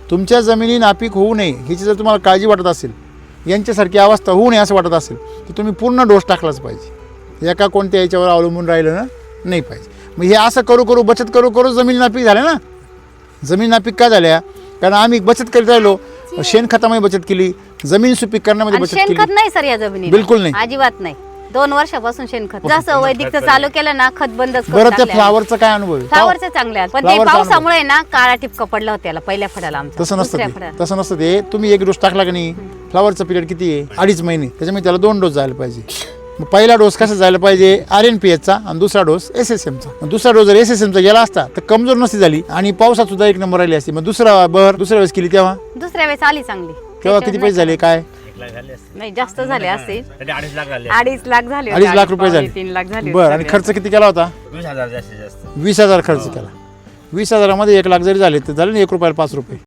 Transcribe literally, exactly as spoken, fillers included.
तुमच्या जमिनी नापीक होऊ नये ह्याची जर तुम्हाला काळजी वाटत असेल, यांच्यासारखी अवस्था होऊ नये असं वाटत असेल तर तुम्ही पूर्ण डोस टाकलाच पाहिजे. एका कोणत्या याच्यावर अवलंबून राहिलं ना नाही पाहिजे. मग हे असं करू करू बचत करू करू जमीन नापीक झाल्या ना. जमीन नापीक का झाल्या? कारण आम्ही बचत करीत राहिलो, शेणखतामध्ये बचत केली, जमीन सुपीक करण्यामध्ये बचत केली. शेणखत नाही सर या जमिनीत, बिलकुल नाही, अजिबात नाही. दोन वर्षापासून शेणखत जसं वैदिकचं चालू केलं ना, खत बंदच करून बरं. त्या टाकलं. फ्लावरचा काय अनुभव आहे? फ्लावरचं चांगलं आहे, पण ते फ्लावरचा पावसामुळे ना काळा टिपका पडला होता त्याला पहिल्या फळाला आमचा. तसं नसतं दुसऱ्या ते, फळाला. तसं नसतं ते. तुम्ही एक डोस टाकला की नाही, फ्लावरचा पिरियड किती आहे? अडीच महिने. त्याच्यामुळे त्याला दोन डोस जायला पाहिजे. मग पहिला डोस कसा जायला पाहिजे? आर एन पी एचचा, आणि दुसरा डोस एस एस एमचा. दुसरा डोस जर एस एस एमचा गेला असता तर कमजोर नसती झाली आणि पावसात सुद्धा एक नंबर राहिली असती. मग दुसरा बर दुसऱ्या वेळेस केली तेव्हा दुसऱ्या वेळेस आली चांगली. तेव्हा किती पैसे झाले काय? नाही जास्त झाले असतील, अडीच लाख झाले. अडीच लाख झाले, अडीच लाख रुपये झाले. तीन लाख झाले. बरं. आणि खर्च किती केला होता? वीस हजार जास्तीत जास्त. वीस हजार खर्च केला. वीस हजारामध्ये एक लाख जरी झाले तर झाले ना एक रुपयाला पाच रुपये.